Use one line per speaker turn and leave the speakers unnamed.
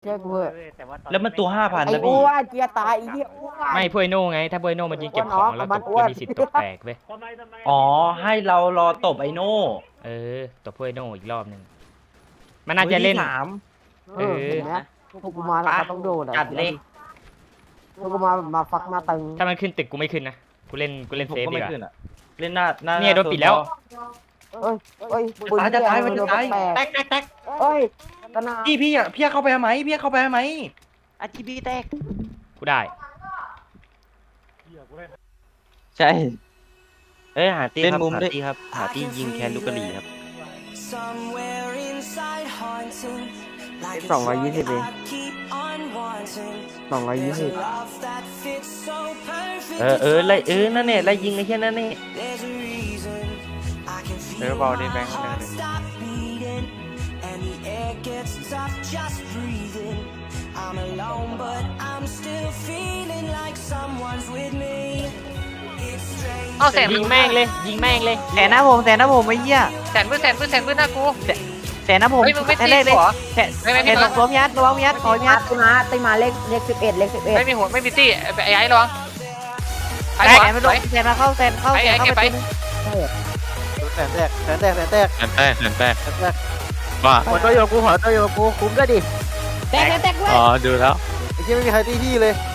ช่กูเถอะ
แล้วมันตัว5,000
ไอ้
นะ
อ้
พี่
วนเจียตายไอ้เหี้ยอ้วน
ไม่พวยโน่ไงถ้าพวยโน่มันยิงเก็บของแล้วตบจะมีสิทธิ์ตบแตกเว้ย
อ๋อให้เรารอตบไอโน่
ตบพวยโน่อีกรอบหนึ่งมันน่าจะเล่น
มือที่3
เห็นไหมพวกกูมาแล้วก็ต้องโดน
จัดเลย
พวกกูมาฟักมาตึง
ถ้ามันขึ้นตึกกูไม่ขึ้นนะกูเล่น
ผม
เซฟ
ก็
ดี
ไม่
กว่า
ขึ้นอ่ะเล่นหน้า
เนี่ยโดนปิดแล้ว
เอ้ยเอ้ย
จะตายมันจะตาย
แตกเอ้ยตะนา
พี่เข้าไปทำไมพี่เข้าไปทำไม
อาจีบีแตก
กูได้
ใช่
หาตี
เล่น
ครับ
มุม
หา
ด้วย
ตีครับหาตียิงแคนลูกกะหรี่ครับ
220เอง220
นั่นเนี่ยไล่ยิงไอ้แค่นั้นนี่
เบาดิแบงค์เลย
เอาแสน
ยิงแม่งเลยยิงแม่งเลย
แสนนะผมไอ้เหี้ย
แสนพื้นหน้ากู
แสนนะผม
เฮ้ยมึงไม่ตี
แสนเลย
หัว
แสนแสนสองตัวพี่ยัดระวังพี่ยัดขอพี่ยัด
ตีมาเลข11เลข11
ไม่มีหัวไม่มีตี้ไอ้ระวังไอ้
แส
หัวน
ไม่ลงแสนมาเข้าแสนเข้า
ไอ้
แสนเข้า
เก็บ
ไป
ไป
แสนแตกว่า
หัวตัวโยกูคุ้มด้วยดิแตก
อ๋อดูแล้ว
ไอ้ที่ไม่มีใครตีพี่เลย